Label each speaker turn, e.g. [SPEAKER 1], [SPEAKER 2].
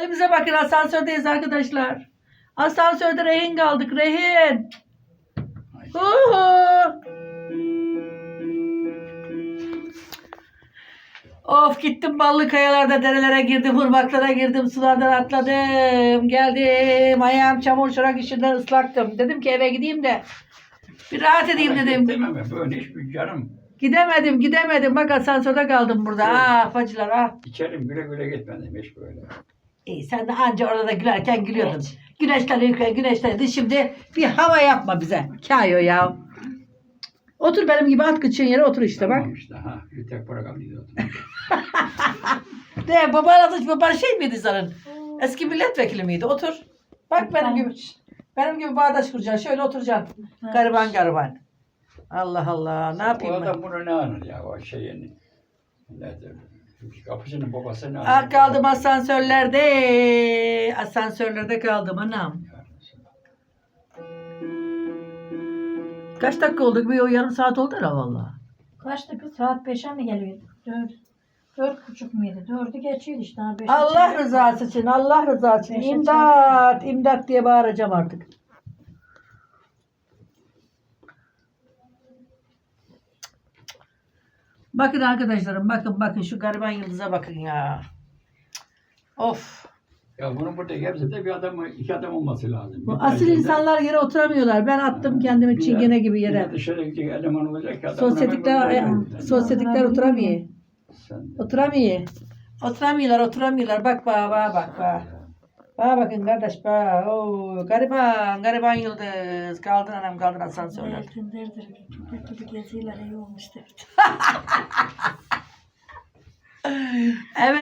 [SPEAKER 1] Halimize bakın, asansördeyiz arkadaşlar. Asansörde rehin kaldık, rehin. Uhu. Of, gittim ballı kayalarda, derelere girdim, ırmaklara girdim, sulardan atladım, geldim, ayağım çamur çorak içinden ıslaktım. Dedim ki eve gideyim de bir rahat edeyim dedim.
[SPEAKER 2] Dememe böyle hiçbir canım.
[SPEAKER 1] Gidemedim. Bak asansörde kaldım burada.
[SPEAKER 2] Evet.
[SPEAKER 1] Ah bacılar ah.
[SPEAKER 2] İçerim güle güle gitmedim hiç böyle.
[SPEAKER 1] İyi, sen de anca orada da gülerken gülüyordun. Güneşlenirdi. Şimdi bir hava yapma bize. Kayo ya. Otur benim gibi, at kıçın yere otur işte bak.
[SPEAKER 2] Tamam işte ha. Bir tek para kaldı.
[SPEAKER 1] De baban şey miydi senin? Eski milletvekili miydi? Otur. Bak benim gibi bağdaş kuracaksın. Şöyle oturacaksın. Gariban. Allah Allah. Ne
[SPEAKER 2] O
[SPEAKER 1] yapayım ben?
[SPEAKER 2] adam bunu ne anır ya o şeyini. Nedir? Kapıcının babası ne anır?
[SPEAKER 1] Ah, kaldım asansörlerde. Asansörlerde kaldım anam. Kaç dakika oldu? Bir yarım saat oldu herhalde valla.
[SPEAKER 3] Kaçtı kız? Saat 5'e mi geliyor? 4.30 muydu? 4'ü geçiyor işte. Daha 5'e
[SPEAKER 1] Allah
[SPEAKER 3] çeyrek.
[SPEAKER 1] rızası için, Allah rızası için.
[SPEAKER 3] Beşe
[SPEAKER 1] İmdat diye bağıracağım artık. Bakın arkadaşlarım, bakın şu gariban yıldıza bakın ya. Of.
[SPEAKER 2] Ya bunun burada hepsi de iki adam olması lazım.
[SPEAKER 1] Bu
[SPEAKER 2] Bir
[SPEAKER 1] asil
[SPEAKER 2] tanesi de-
[SPEAKER 1] insanlar yere oturamıyorlar. Ben attım kendimi
[SPEAKER 2] Bir de-
[SPEAKER 1] çingene gibi
[SPEAKER 2] bir de
[SPEAKER 1] yere.
[SPEAKER 2] dışarı gidecek eleman olacak ki adam
[SPEAKER 1] Sosyetikler oturamıyor.
[SPEAKER 2] Sen
[SPEAKER 1] Oturamıyorlar. Bak. Bana bakın kardeş bak. Oo, gariban yıldız. Kaldın anam, kaldın asansörler.
[SPEAKER 3] Eltinlerdir. Köpek gibi geziyorlar. İyi olmuş derdi.
[SPEAKER 1] Evet.